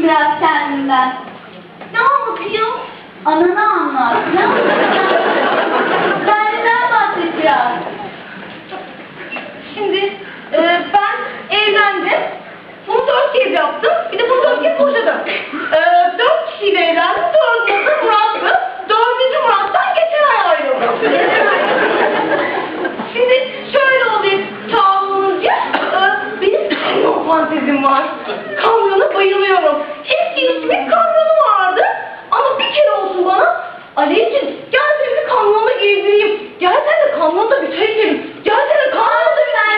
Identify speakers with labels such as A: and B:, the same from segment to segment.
A: biraz kendimden. Ne anlatayım? Ananı anlat. Ne anlatayım? Kendinden bahset biraz.
B: Şimdi ben evlendim. Bunu 4 kez yaptım. Bir de bunu 4 kez boşadım. 4 kişiyle evlendim. 4'ü de Murat'tı. 4. Murat'tan geçen ay ayrıldım. Şimdi şöyle olayım. Çağlığınızca benim kamyon fantezim var. Kamyona bayılıyorum. Eski ismin kamyonu vardı. Ama bir kere olsun bana Alevciğim gel seni bir kamyonda gezdireyim. Gel sen de kamyonda bir çay içelim. Gel sen de kamyonda bir çay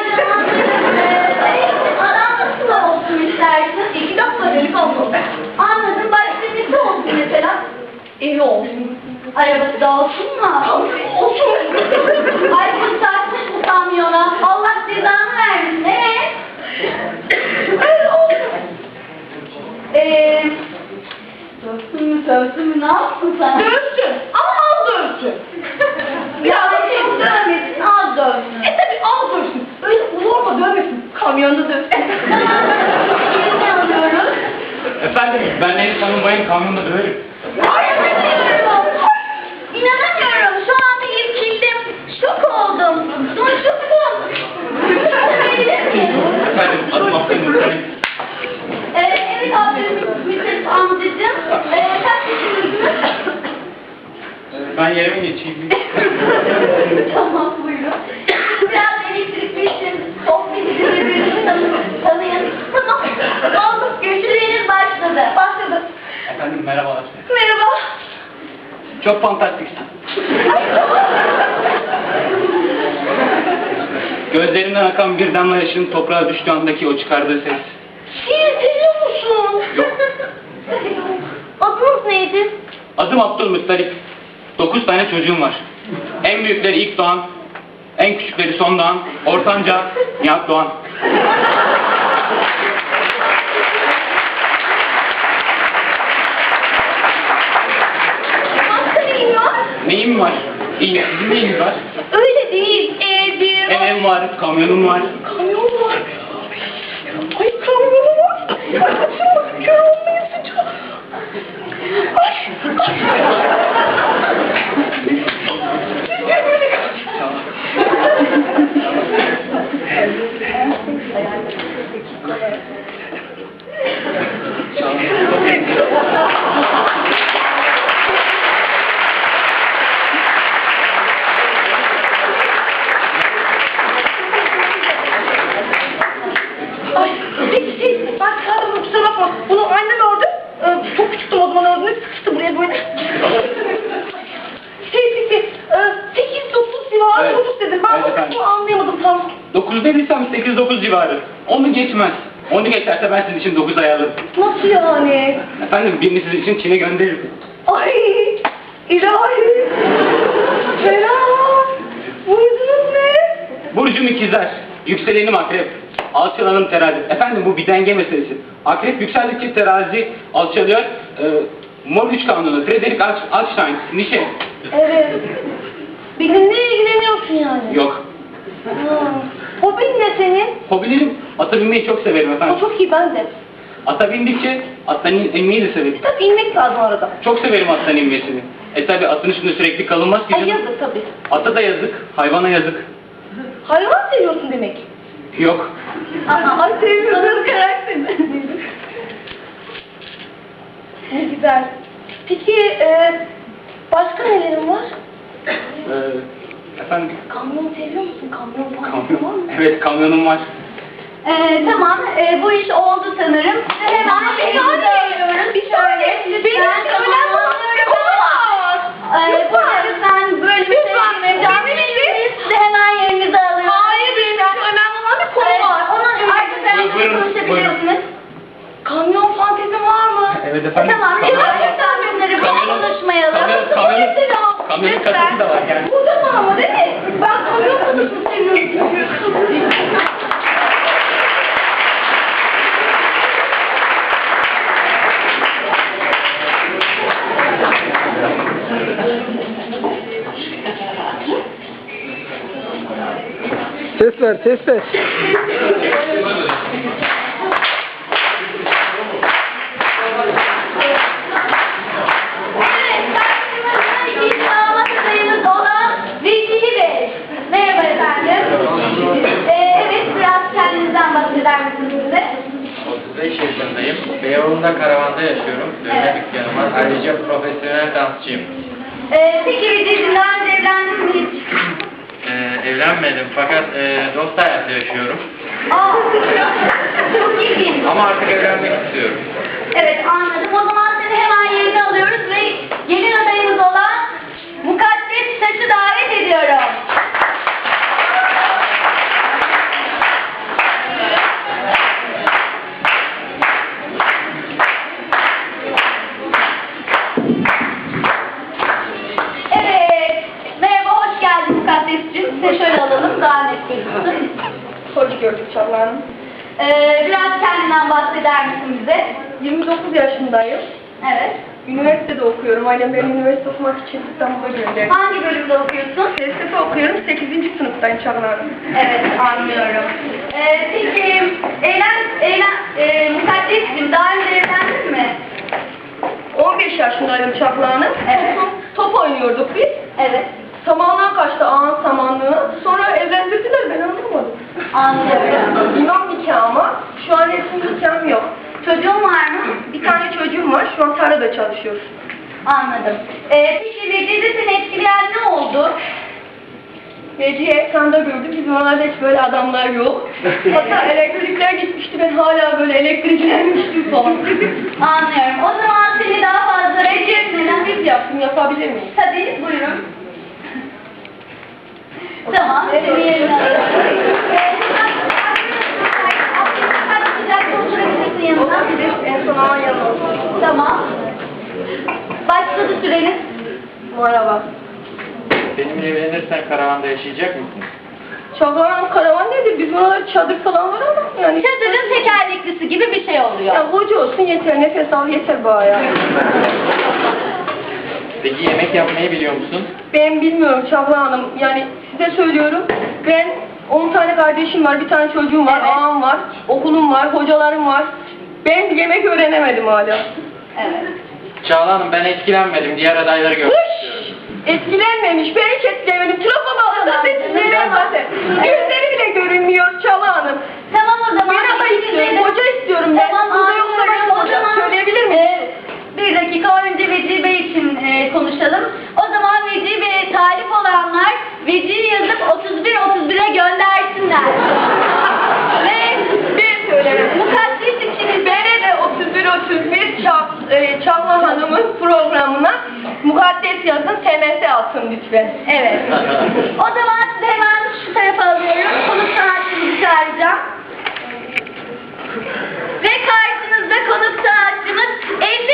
A: Adam nasıl olsun istersin?
B: 2 dakika delik olsun.
A: Anladım. Başka nesi olsun mesela?
B: Evi olsun.
A: Arabası da olsun mu?
B: Olsun.
A: Ay bu saçmış bu kamyona. Allah cezanı versin.
B: Öyle olsun.
A: Dövsün mü ne yaptın sen?
B: Dövsün. Ama az dövsün.
A: Ya çok dövmesin, az dövsün.
B: Tabii az dövsün. Öyle ulorma dövmesin. Kamyonda dövsün.
A: Kimi alıyoruz?
C: Efendim, ben Elif Hanım bayım kamyonda döverim.
A: İnanamıyorum. Şu anda irkildim. Şok oldum. Doşuktum.
C: Efendim, adım Abdülhamid.
A: Evet Abdülhamid amcacığım. Kaç yaşındasınız?
C: Ben yerime geçeyim.
A: Tamam buyurun. Biraz elektrikli işin sohbet birbirini tanıyın. Tamam. Oldu. Görüşmeleriniz başladı.
B: Başladı.
C: Efendim, merhabalar.
B: Merhaba.
C: Çok fantastiksin. Gözlerinden akan bir damla yaşın toprağa düştüğü andaki o çıkardığı ses.
B: Şiir seviyor musun?
C: Yok.
A: Adınız neydi?
C: Adım Abdülmuttalip. 9 tane çocuğum var. En büyükleri ilk doğan, en küçükleri son doğan, ortanca Nihat Doğan.
B: Başka neyin var?
C: Neyim var? İyi, sizin neyiniz var?
B: Öyle değil. Evim.
C: Evim var, kamyonum var.
B: Kamyon var. Ay kamyonu var. Ay kaçırma. Kör olmayı sıcak. Ay. Ay, peki, ben çağırdım, kusura bakma. Bunu annem ördü. Çok küçüktüm o zaman ördüğünü. Sıkıştı buraya böyle. Peki, 8-9 civarı
C: Evet.
B: çocuk dedim. Ben
C: Evet
B: o
C: efendim.
B: kısmı anlayamadım tam.
C: 9 dediysem 8-9 civarı. Onu geçmez. Onu geçerse ben sizin için 9 ayarlarım.
B: Nasıl yani?
C: Efendim, birini sizin için Çin'e gönderirim.
B: Ay, ilahi. Ferah. Burcunuz ne?
C: Burcum ikizler, yükselenim akrep, alçalanım terazi. Efendim, bu bir denge meselesi. Akrep yükseldikçe terazi alçalıyor. Mor güç kanunu, Frederick Einstein, Nietzsche.
B: Evet. Benimle ilgileniyorsun yani.
C: Yok.
B: Hobin ne senin?
C: Hobilerim, ata binmeyi çok severim
B: O
C: efendim.
B: çok iyi ben de.
C: Ata bindikçe attan inmeyi de severim.
B: Tabii inmek lazım arada.
C: Çok severim attan inmesini. Tabi atın üstünde sürekli kalınmaz ki
B: Ay
C: canım.
B: yazık tabii.
C: Ata da yazık, hayvana yazık.
B: Hayvan seviyorsun demek.
C: Yok.
B: Ay seviyorsun karakterini. Ne güzel. Peki başka nelerin var?
C: Efendim,
B: Kamyon seviyor musun? Kamyon falan var
C: kamyon.
B: mı?
C: Evet, kamyonum var.
A: Tamam. Bu iş oldu sanırım. Hemen
B: Bir saniye. Bir saniye. Benim önemli olan bir konu var.
A: Bu lütfen böyle bir şey sizi hemen yerinize alıyorum.
B: Hayır benim önemli olan bir konu var.
A: Onun arkasından
C: Buyurun,
A: konuşabilirsiniz.
B: Kamyon fantezin var mı?
C: Evet efendim.
A: Tamam. Lütfen kamyonları konuşmayalım.
C: Kamyonun kasası da var yani.
B: Burada mı ama değil mi? Ben kamyon konusunu seviyorum çünkü.
D: Ses ver, ses ver. yaşıyorum. Dövme
A: Evet.
D: dükkanım var. Ayrıca profesyonel dansçıyım.
A: Peki Veci'cim daha önce evlendin mi hiç?
D: Evlenmedim fakat dost hayatı yaşıyorum.
A: Aa, çok ilginç.
D: Ama artık evlenmek istiyorum.
A: Evet anladım. O zaman seni hemen yerine alıyoruz ve gelin adayımız olan Mukaddes Taş'ı davet ediyorum. Evet. Merhaba, hoş geldin Mukaddes'cim. Size şöyle alalım, daha net gözüksün.
B: Hoş gördük Çağla Hanım.
A: Biraz kendinden bahseder misin bize?
B: 29 yaşındayım.
A: Evet.
B: Üniversitede okuyorum. Ailem beni üniversite okumak için İstanbul'a gönderdi.
A: Hangi bölümde okuyorsun?
B: Felsefe okuyorum. 8. sınıftayım Çağla Hanım.
A: Evet, anlıyorum. Peki, Mukaddes'cim daha önce evlendin mi?
B: 15 yaşındaydım Çağla Hanım.
A: Evet.
B: Top oynuyorduk biz.
A: Evet,
B: Samanlığa kaçtı ağın samanlığı. Sonra evlendirdiler, ben anlamadım.
A: anlıyorum.
B: İmam nikahı ama şu an resmi nikahım yok.
A: Çocuğun var mı?
B: Bir tane çocuğum var, şu an tarlada çalışıyor.
A: Anladım. Peki, Veci'de seni etkileyen ne oldu?
B: Geceyi ekranda gördüm, bizim oralarda hiç böyle adamlar yok. Hatta elektrikler gitmişti, ben hala böyle elektriklenmiştim falan.
A: Anlıyorum. O zaman seni daha fazla bekletmeden
B: Biz yaptım, yapabilir miyim?
A: tabii buyurun. Tamam, seni yerine alıyorum. Oturabilirsin yanına.
B: En son ağın yanına oturayım.
A: Tamam. Başladı süreniz.
B: Merhaba.
D: Benimle evlenirsen karavanda yaşayacak mısın?
B: Çağlayan karavan nedir? Bizim oralarda çadır falan var ama yani.
A: Çadırın tekerleklisi gibi bir şey oluyor.
B: Ya hoca olsun yeter, nefes al yeter bana ya.
D: Peki yemek yapmayı biliyor musun?
B: Ben bilmiyorum Çağla Hanım, yani size söylüyorum. Ben 10 tane kardeşim var, bir tane çocuğum var,
A: Evet.
B: ağam var, okulum var, hocalarım var. Ben yemek öğrenemedim hala.
A: Evet.
D: Çağla Hanım ben etkilenmedim. Diğer adayları görmek istiyorum.
B: Etkilenmemiş, ben hiç etkilenmedim. Trafo bağlı da seçimlerim
A: Tamam.
B: zaten. Gözleri bile görünmüyor Çağla Hanım.
A: Tamam o zaman.
B: Ben aday istiyorum, hoca istiyorum ben.
A: Tamam,
B: Burada yoksa
A: anlıyorum.
B: başka
A: O
B: hoca
A: zaman,
B: söyleyebilir miyim?
A: Bir dakika önce Veci Bey için konuşalım. O zaman Veci Bey'e talip olanlar Veci'yi yazıp 31-31'e göndersinler. Ve
B: Ben söylerim.
A: Mukaddes için
B: Beni de 31-31 Çağla Hanım'ın programına mukaddes yazın, TMS atsın lütfen.
A: evet. O zaman sizi hemen şu tarafa alıyorum. Konuk sanatçımızı çağıracağım. Ve karşınızda konuk sanatçımız eş